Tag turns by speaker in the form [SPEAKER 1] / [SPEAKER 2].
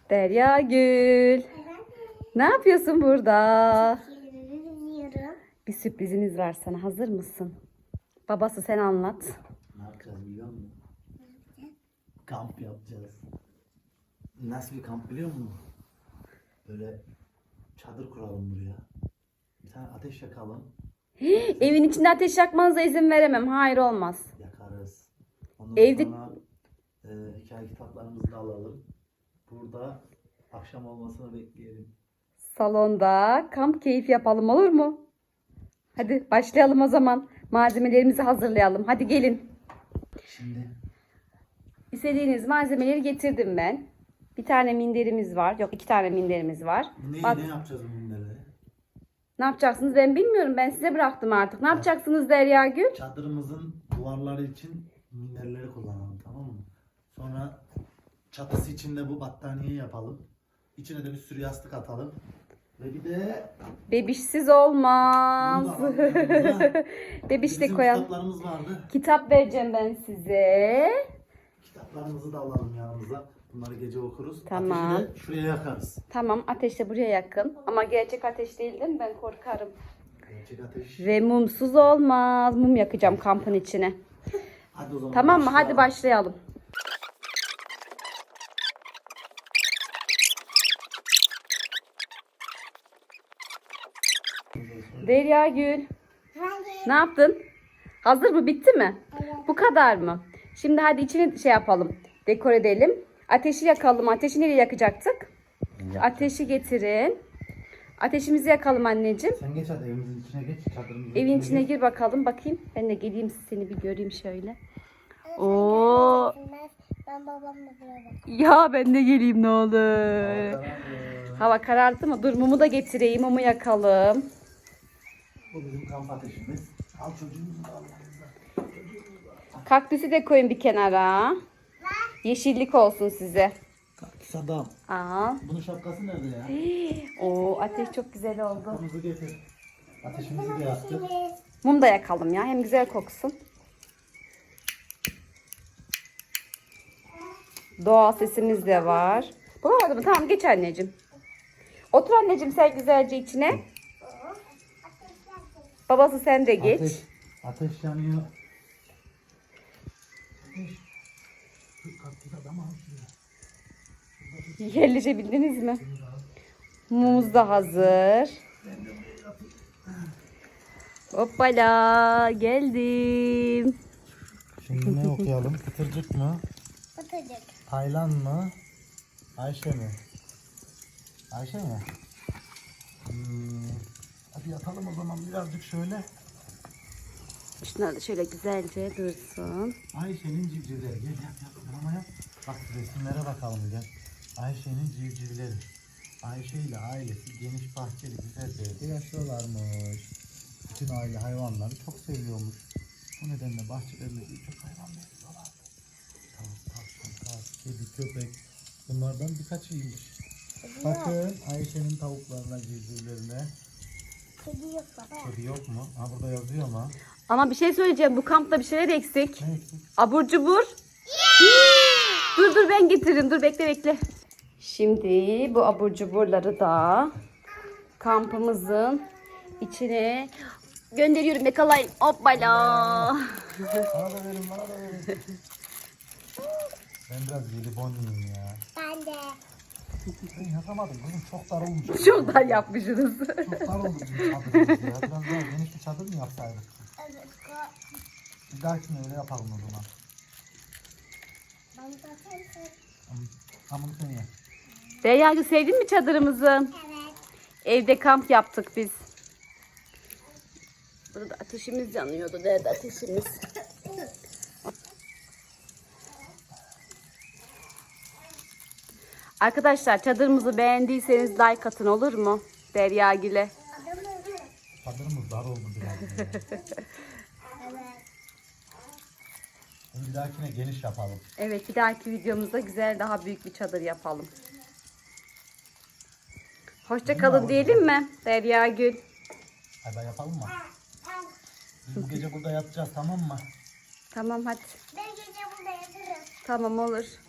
[SPEAKER 1] Derya Gül. Ne yapıyorsun burada? Bir sürprizimiz var sana. Hazır mısın? Babası sen anlat.
[SPEAKER 2] Ne yapacağız biliyor musun? Kamp yapacağız. Nasıl bir kamp biliyor musun? Böyle çadır kuralım buraya. Bir tane ateş yakalım.
[SPEAKER 1] Evin içinde ateş yakmanıza izin veremem. Hayır, olmaz.
[SPEAKER 2] Yakarız. Ondan
[SPEAKER 1] Evde-
[SPEAKER 2] sonra hikaye kitaplarımızı da alalım. Burada akşam olmasını bekleyelim.
[SPEAKER 1] Salonda kamp keyfi yapalım, olur mu? Hadi başlayalım o zaman. Malzemelerimizi hazırlayalım. Hadi gelin.
[SPEAKER 2] Şimdi
[SPEAKER 1] İstediğiniz malzemeleri getirdim ben. Bir tane minderimiz var. Yok, 2 tane minderimiz var.
[SPEAKER 2] ne yapacağız bunları?
[SPEAKER 1] Ne yapacaksınız ben bilmiyorum. Ben size bıraktım artık. Ne yapacaksınız Derya Gül?
[SPEAKER 2] Çadırımızın duvarları için minderleri kullanalım, tamam mı? Sonra çatısı için de bu battaniye yapalım. İçine de bir sürü yastık atalım. Ve bir de
[SPEAKER 1] Bebişsiz olmaz.
[SPEAKER 2] bunu da alalım yanımıza.
[SPEAKER 1] Bebiş de
[SPEAKER 2] Bizim
[SPEAKER 1] koyalım.
[SPEAKER 2] kitaplarımız vardı.
[SPEAKER 1] Kitap vereceğim ben size.
[SPEAKER 2] Kitaplarımızı da alalım yanımıza. Bunları gece okuruz.
[SPEAKER 1] Tamam.
[SPEAKER 2] Ateşi de şuraya yakarız.
[SPEAKER 1] Tamam, ateş de buraya yakın. Ama gerçek ateş değil, değil mi? Ben korkarım.
[SPEAKER 2] Gerçek ateş.
[SPEAKER 1] Ve mumsuz olmaz. Mum yakacağım kampın içine.
[SPEAKER 2] Hadi o zaman
[SPEAKER 1] Tamam mı? Hadi
[SPEAKER 2] başlayalım.
[SPEAKER 1] başlayalım. Derya Gül. Ne yaptın? Hazır mı? Bitti mi? Bu kadar mı? Şimdi hadi içini şey yapalım. Dekor edelim. Ateşi yakalım. Ateşi nereye yakacaktık? Ateşi getirin. Ateşimizi yakalım anneciğim.
[SPEAKER 2] Sen geç hadi evimizin içine geç. Çadırımızın
[SPEAKER 1] Evin içine
[SPEAKER 2] geç.
[SPEAKER 1] gir bakalım. Bakayım. Ben de geleyim, seni bir göreyim şöyle. Oo.
[SPEAKER 3] Ben babamla beraber.
[SPEAKER 1] Ya ben de geleyim ne olur. Hava karardı mı? Dur, mumu da getireyim. Mumu yakalım.
[SPEAKER 2] Bu bizim kamp ateşimiz. Al çocuğumuzu da al yanımıza.
[SPEAKER 1] Kaktüsü de koyun bir kenara. Yeşillik olsun size.
[SPEAKER 2] Kaktüs adam.
[SPEAKER 1] Aa.
[SPEAKER 2] Bunun şapkası nerede ya?
[SPEAKER 1] Oo, ateş çok güzel oldu.
[SPEAKER 2] Şapkamızı getir. Ateşimizi de yaktık.
[SPEAKER 1] Mum da yakalım ya. Hem güzel koksun. Doğal sesimiz de var. Bulamadı mı? Tamam, geç anneciğim. Otur anneciğim sen güzelce içine. Babası sen de geç.
[SPEAKER 2] Ateş yanıyor. Ateş. Şu kaktüs adamı al şuraya.
[SPEAKER 1] Yerleşebildiniz mi? Mumumuz da hazır. Hoppala, geldim.
[SPEAKER 2] Şimdi ne okuyalım? Kıtırcık mı?
[SPEAKER 3] Batacak.
[SPEAKER 2] Taylan mı? Ayşe mi? Ayşe mi? Hadi yatalım o zaman birazcık şöyle.
[SPEAKER 1] Şunlar da şöyle güzelce dursun.
[SPEAKER 2] Ayşe'nin civcivleri. Gel yap mama yap. Bak resimlere bakalım gel. Ayşe'nin civcivleri. Ayşe ile ailesi geniş bahçeli güzel bir evde yaşıyorlarmış. Bütün aile hayvanları çok seviyormuş. Bu nedenle bahçelerinde birçok hayvan besliyorlardı. Tavuk, tavşan, kaz, kedi, köpek. Bunlardan birkaçıymış. Bakın Ayşe'nin tavuklarına, civcivlerine.
[SPEAKER 3] Kedi yok baba.
[SPEAKER 2] Kedi yok mu? Ha burada yazıyor ama.
[SPEAKER 1] Ama bir şey söyleyeceğim. Bu kampta bir şeyler eksik.
[SPEAKER 2] Ne eksik?
[SPEAKER 1] Abur cubur. Dur ben getiririm. Dur bekle. Şimdi bu abur cuburları da kampımızın içine gönderiyorum. Yakalayın. Hoppala.
[SPEAKER 2] Bana da verin, bana da verin. Ben biraz jelibon yiyeyim ya.
[SPEAKER 3] Ben de.
[SPEAKER 2] Ben yapamadım kızım, çok dar olmuş.
[SPEAKER 1] Çok dar yapmışsınız.
[SPEAKER 2] Çok dar oldu bizim çadırımız ya. Biraz daha geniş bir çadır mı yapsaydık?
[SPEAKER 3] Evet.
[SPEAKER 2] Bir dahakine öyle yapalım o zaman.
[SPEAKER 3] Ben zaten
[SPEAKER 2] Tamam sen ye.
[SPEAKER 1] Derya'cığım, sevdin mi çadırımızı?
[SPEAKER 3] evet.
[SPEAKER 1] Evde kamp yaptık biz. Burada ateşimiz yanıyordu. Nerede ateşimiz? Arkadaşlar, çadırımızı beğendiyseniz like atın, olur mu? Derya Gül'e.
[SPEAKER 2] Çadırımız dar oldu biraz. Ya.
[SPEAKER 3] Evet.
[SPEAKER 2] Bir dahakine geniş yapalım.
[SPEAKER 1] Evet, bir dahaki videomuzda güzel, daha büyük bir çadır yapalım. Hoşça kalın diyelim mi Derya Gül?
[SPEAKER 2] Hadi yapalım mı? Biz bu gece burada yatacağız, tamam mı?
[SPEAKER 1] Tamam hadi.
[SPEAKER 3] Ben gece burada yatarım.
[SPEAKER 1] Tamam, olur.